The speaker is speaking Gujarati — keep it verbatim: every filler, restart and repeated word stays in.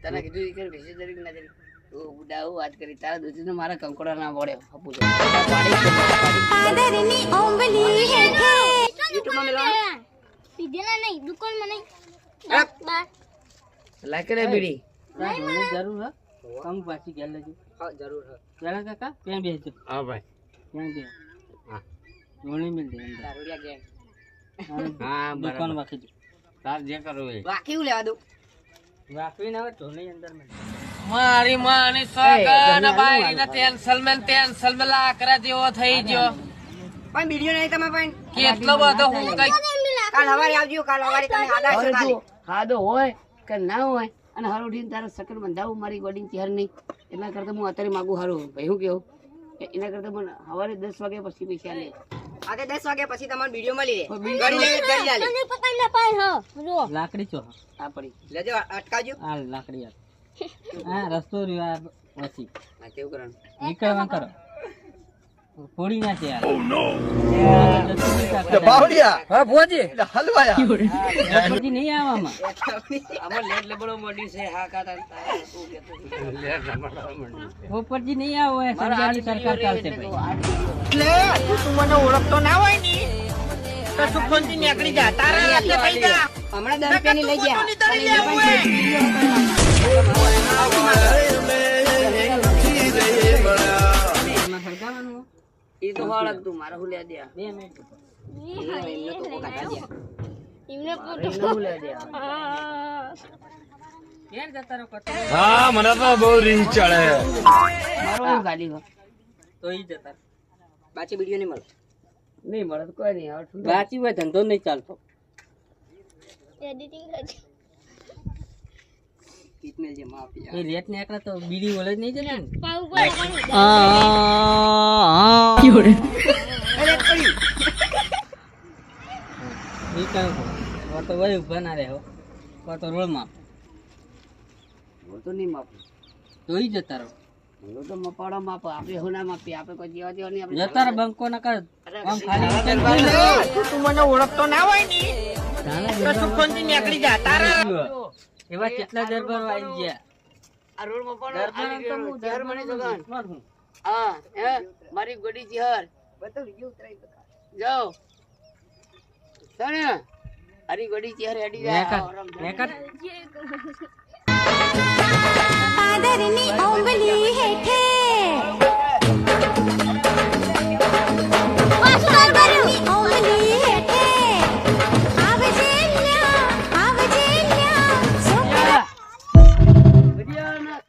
તને કીધું કે બેસી જરી ના જરી તો ઉડાવ વાત કરી તારા દૂધને મારા કંકોડા ના પડે આપું છે આદરની ઓંબલી હેઠે યુટ્યુબ માં મેલો પીધેલા નહીં દુકાન માં નહીં બા લાઈક કરે બીડી મને જરૂર હે કમ પાછી ગેલ લેજો હા જરૂર હા ચાલા કાકા ત્યાં બેસજો હા ભાઈ ત્યાં બે હા જોણી મિલ દે અંદર દારૂડિયા ગેંગ હા દુકાન બરાબર વાખી દો તાર જે કરવું એ બાકી હું લેવા દઉં વાખવી ના આવે જોણી અંદર મિલ મારી માની સગન બાઈ ને ટેન્શન મેં ટેન્શન મેં લાકરા જેવો થઈ ગયો પણ વિડિયો નહીં તમે પણ કેટલો બધો હું કઈ કાલ સવારે આવજો કાલ સવારે તમે આડા છો ખાલી ખાધો હોય કે ના હોય અને હારું ઉઠીને તારા સકન બંધાવું મારી ગોડીને ત્યાર નહીં એટલા કરતા હું અત્યારે માગું હારું ભાઈ હું કેવું એના કરતા મને સવારે દસ વાગ્યા પછી પૈસા લે આજે દસ વાગ્યા પછી તમારો વિડિયો મળી રહે ગળી લે ગળી આલે તને પકડ લે પાય હો જો લાકડી ચો આ પડી લેજો અટકાવજો આ લાકડી આ હા રસ્તો રહ્યો આ પછી હા કેવું કરવાનું નીકળવા કરો પોડી ના છે યાર બાવડિયા હા ભોજી હલવાયા પોડી નહીં આવવામાં આમાં લેટ લબડો મોડી છે હા કાતા શું કહેતો પોપટજી નહીં આવો એ સંજાની સરકાર ચાલશે ભાઈ એટલે તું મને ઓળખતો ના હોય ની તો સુખોનથી નીકળી જા તારા હાથે પડી જા હમણાં દસ રૂપિયાની લઈ ગયા સરકારનું એ તો વાળક તું મારા હું લે દે બે મિનિટ એમને તો કોકા દે એમને એમને હું લે દે કેર જતા રહો કતો હા મને તો બહુ રીંગ ચડે મારો હું ગાડી ગયો તો ઈ જતા બાકી વિડિયો નહીં મળે નહીં મળે તો કોઈ નહીં હવે બાકી હોય ધંધો નહીં ચાલતો એડિટિંગ કરજો કિતને જે માફી એ રેટ ને એકલા તો બીડી ઓલે જ નહીં જતા ને પાઉ પર અરે પડી ઈ કામ કો તો વય ઉભા ના રહે હો કો તો રોળ માં હું તો નહીં માપું તો ઈ જતા રહો હું તો મપાડો માપ આપણે હું ના માપી આપણે કોઈ જેવા જેવા નહીં આપણે જતા રહો બંકો ના કર આમ ખાલી તું મને ઓળખતો ના હોય ની તો સુખોનથી નીકળી જા તારા એવા કેટલા દરબાર આવી ગયા આ રોડ મપાડો દરબાર તો હું ઘર મને જગન દરબાર હું હા હે મારી ગોડી ચિહર બતાવ વિડિયો ઉતરાઈ બતા જાઓ સણ હરી ગોડી ચિહર હેડી જાય મેકર આદરની ઓંબલી હેઠે